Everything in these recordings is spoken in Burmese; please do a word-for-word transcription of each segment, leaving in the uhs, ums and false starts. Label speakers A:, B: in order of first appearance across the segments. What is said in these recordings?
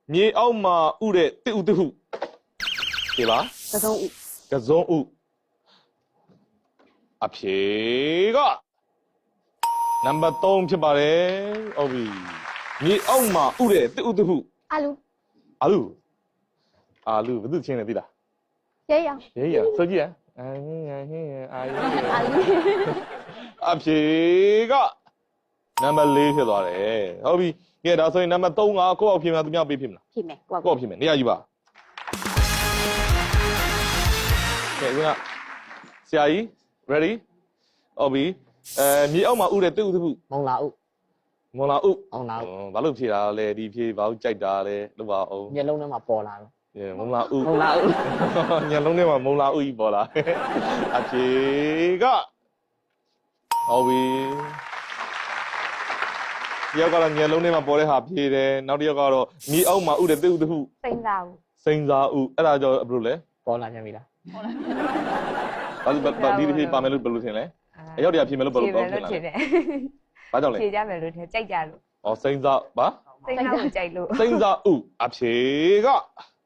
A: မြေအောက်မှာဥတဲ့တစ်ဥတစ်ဟုဒီပါ
B: ကစုံဥ
A: ကစုံဥအဖြေကနံပါတ်သုံးဖြစ်ပါတယ်ဟုတ်ပြီမြေအောက်မှာဥတဲ့တစ်ဥတစ်ဟု
B: အာလူ
A: အာလူအာလူဘယ်သူချင်းလဲသိလား
B: ရဲရောင်
A: ရဲရဆိုကြည့်ရအာဟင်းဟင်းအာယူ
B: အာလူ
A: အဖြေကနံပါတ်လေးဖြစ်သွားတယ်ဟုတ်ပြီကဲဒါဆိုရင်နံပါတ်သုံးကကိုယ့်အောက်ဖြစ်မလားသူများပေးဖြစ်မလား
B: ဖြစ်မယ်ကိုက
A: ကိုယ့်အောက်ဖြစ်မယ်နေရာယူပါကဲဦးကဆရာကြီး ready ဟုတ်ပြီအဲမြေအောက်မှာဥတဲ့တူတူ
C: မုံလာဥ
A: မွန်လာဥ
C: မုံလာဥ
A: ဘာလို့ဖြေတာလဲဒီဖြေဘာလို့ကြိုက်တာလဲလို့ပါအောင်
C: မျက်လုံးထဲမှာပေါ်လာတော့
A: မုံလာဥ
C: မုံလာဥ
A: ညလုံးထဲမှာမုံလာဥကြီးပေါ်လာအဖြေကဟုတ်ပြီတယောက်ကတော့ညလုံးထဲမှာပေါ်တဲ့ဟာဖြေတယ်နောက်တစ်ယောက်ကတော့မြေအောက်မှာဥတဲ့တူတူ
B: စိမ့်သားဥ
A: စိန်စာဥအဲ့ဒါကြောင့်ဘယ်လိုလဲ
C: ပေါ်လာပြန်ပြီလား
A: ဘာလို့ဘာဒီဖြေပါမယ်လို့ဘယ်လိုထင်လဲအရောက်တရားဖြေမယ်လို့ဘယ်လိုတော့ထင်လဲဘာကြောင့်လဲ
D: ဖြေကြမယ်လို့ထင်ကြိုက်ကြလို့
A: ဩစိန်စာဘာ
D: စိတ်နှောက်ကြိုက်လို့
A: စိန်စာဥအဖြေကဩ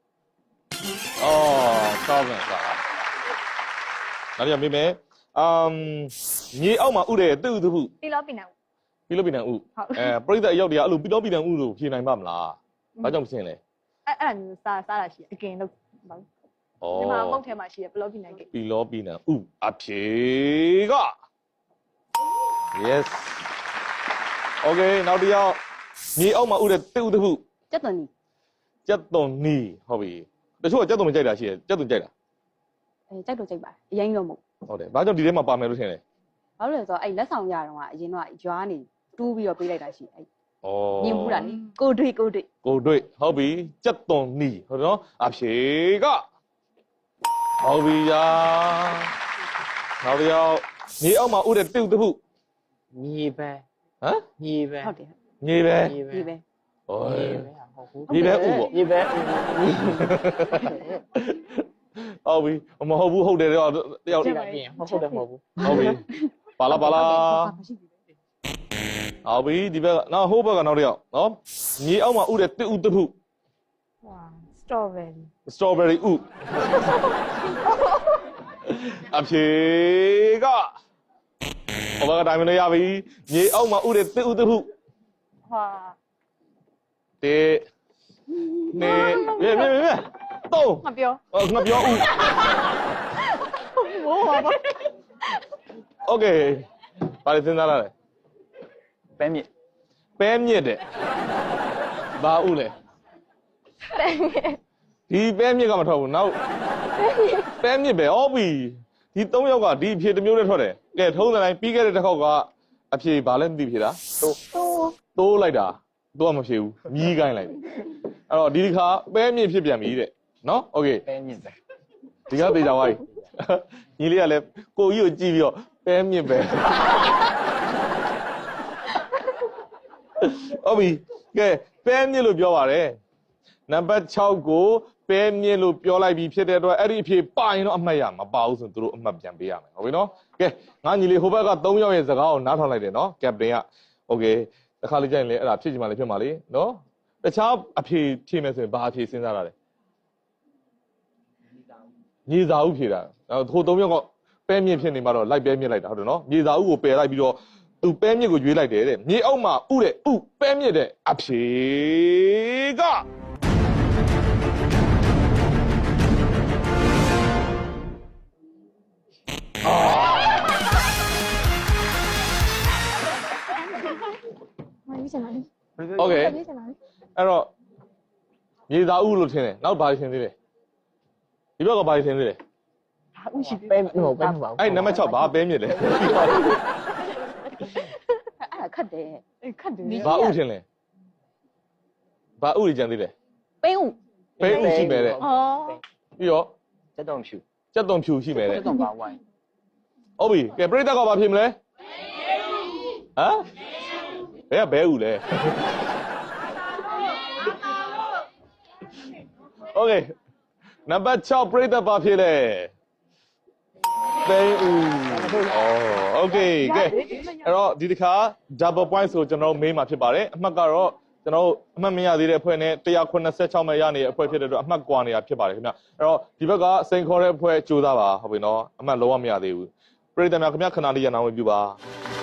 A: ကောင်းတယ်ကွာနောက်ရမေးမယ်အမ်မြေအောက်မှာဥတဲ့တူတူ
D: ပြီးလို့ပြီးနေ
A: ပြီးလို့ပြီးနိုင်ဥအဲပြိဿအရောက်တရားအဲ့လိုပြီးတော့ပြီးနိုင်ဥလို့ဖြေနိုင်ပါမလားဘာကြောင့်ဖြစ်လဲ
D: အဲ့အဲ့ဒါမျိုးစားစားတာရှိအကင်လို့ဘာဒီမှာမုတ်ထဲမှာရှိရဘလော့ပြီးနိုင်ကိ
A: ပြီးလို့ပြီးနိုင်ဥအဖြေက yes okay နောက်တစ်ယောက်မြေအောက်မှာဥတဲ့တူတူ
B: ကျက်သွန်နီ
A: ကျက်သွန်နီဟုတ်ပြီတချို့ကကျက်သွန်မကြိုက်တာရှိတယ်ကျက်သွန်ကြိုက်တာ
B: အဲကြိုက်တော့ကြိုက်ပါအရင်တော့မဟုတ်
A: ဟုတ်တယ်ဘာကြောင့်ဒီထဲမှာပါမယ်လို့ထင်လဲ
B: ဘာလို့လဲဆိုတော့အဲ့လက်ဆောင်ရတော့ကအရင်တော့ရွာနေတူးပြီးတော့ပေးလိုက်တာရှိအဲ့
A: ဩ
B: မြင်ဘူးလားလေကိုတွေ့ကိုတွေ့
A: ကိုတွေ့ဟုတ်ပြီကျက်သွန်နီဟုတ်တယ်နော်အဖြေကဟုတ်ပြီယာနောက်တစ်ယောက်မြေအောက်မှာဥတဲ့တူတူ
C: မြေပဲ
A: ဟမ်
C: မြေပဲ
B: ဟုတ်တယ်
A: မြေပဲ
C: မြေပဲ
B: ဒီပဲ
A: ဟော
C: မြေပဲဟုတ်ဘူး
A: မြေပဲဥပေါ့
C: မြေပဲ
A: ဟုတ်ပြီမဟုတ်ဘူးဟုတ်တယ်တော့တယောက်
C: ကြည့်ပါပြင်မဟုတ်တယ်မဟုတ်ဘူး
A: ဟုတ်ပြီပါလာပါလာဟုတ်ပြီဒီဘက်ကနောက်ဟိုဘက်ကနောက်တစ်ယောက်နော်မြေအောက်မှာဥတဲ့တူတူ
D: ဝါစတော်ဘယ်ရီ
A: စတော်ဘယ်ရီဥအဖြေကဟိုဘက်ကတိုင်းမလို့ရပြီမြေအောက်မှာဥတဲ့တူတူ
D: ဟာ
A: တေနေမြေမြေမြေတော့
D: မပြော
A: ငါပြောဥ
D: ဘိုးပါဘာ
A: โอเคပါလိစဉ်းစားရတယ်
C: ပဲမြစ်
A: ပဲမြစ်တဲ့ဘာဥလဲဒီပဲမြစ်ကမထွက်ဘူးနောက်ပဲမြစ်ပဲဟုတ်ပြီဒီသုံးယောက်ကဒီအဖြေတစ်မျိုးနဲ့ထွက်တယ်ကဲထုံးစံတိုင်းပြီးခဲ့တဲ့တစ်ခေါက်ကအဖြေဘာလဲမသိဖြေတာ
C: တိုး
A: တိုးလိုက်တာတိုးကမဖြေဘူးမြီးကိုင်းလိုက်တယ်အဲ့တော့ဒီတစ်ခါပဲမြစ်ဖြစ်ပြန်ပြီတဲ့နော်โอเค
C: ပဲမြစ်ပဲ
A: ဒီကသေချာသွားပြီညီလေးကလည်းကိုကြီးကိုကြည့်ပြီးတော့ပဲမြစ်ပဲဟုတ်ပြီကဲပဲမြစ်လို့ပြောပါတယ်နံပါတ်၆ကိုပဲမြစ်လို့ပြောလိုက်ပြီးဖြစ်တဲ့အတွက်အဲ့ဒီအဖြေပါရင်တော့အမှတ်ရမပါဘူးဆိုရင်တို့အမှတ်ပြန်ပေးရမယ်ဟုတ်ပြီနော်ကဲငါညီလေးဟိုဘက်က၃ယောက်ရဲ့စကားကိုနားထောင်လိုက်တယ်နော်ကပတိန်ကโอเคတစ်ခါလေးကြရင်လေအဲ့ဒါဖြစ်ချင်မှလည်းဖြစ်မှာလေနော်တခြားအဖြေဖြေမယ်ဆိုရင်ဘာအဖြေစဉ်းစားတာလဲမြေစာဥဖြေတာဟို၃ယောက်ကပဲမြစ်ဖြစ်နေမှတော့လိုက်ပဲမြစ်လိုက်တာဟုတ်တယ်နော်မြေစာဥကိုပယ်လိုက်ပြီးတော့သူပဲမြစ်ကိုရွေးလိုက်တယ်တဲ့မြေအောက်မှာဥတဲ့ဥပဲမြစ်တဲ့အဖြေက
B: မင်းစနေ
A: โอเค
B: မင်းစနေ
A: အဲ့တော့မြေစာဥလို့ထင်တယ်နောက်ဘာထင်သေးလဲဒီဘက်ကဘာထင်သေးလဲ
C: ဥရှိပဲမဟုတ်ပဲမဟုတ်
A: အဲ့နံပါတ်၆ဘာပဲမြစ်လဲ
B: အဲ့ဒါခတ်တယ်
D: အေးခတ်တယ်
A: ဘာဥထင်လဲဘာဥကြီးကြံသေးလဲ
B: ပိန်းဥ
A: ပဲဥရှိမယ်တဲ့
D: အော်
A: ပြီးတော့
C: စက်တော့ဖြူ
A: ကြက်သွန်ဖြူရှိမယ်တဲ့
C: စက်တော့ပါဝိုင်း
A: ဟုတ်ပြီကဲပြိတ္တကဘာဖြစ်မလဲဟမ်ဘယ်ကဘဲဥလဲโอเคနံပါတ်၆ပြိတ္တဘာဖြစ်လဲပဲဥဩโอเคကဲအဲ့တော့ဒီတစ်ခါ double point ဆိုကျွန်တော်မေးမှာဖြစ်ပါတယ်အမှတ်ကတော့ကျွန်တော်တို့အမှတ်မရသေးတဲ့အဖွဲ့နဲ့one eighty-sixမဲ့ရနေတဲ့အဖွဲ့ဖြစ်တဲ့အတွက်အမှတ်ကွာနေတာဖြစ်ပါတယ်ခင်ဗျအဲ့တော့ဒီဘက်ကစိန်ခေါ်တဲ့အဖွဲ့ကြိုးစားပါဟုတ်ပြီနော်အမှတ်လုံးဝမရသေးဘူးပြည်သူများခင်ဗျခဏလေးရန်အောင်ပြုပါ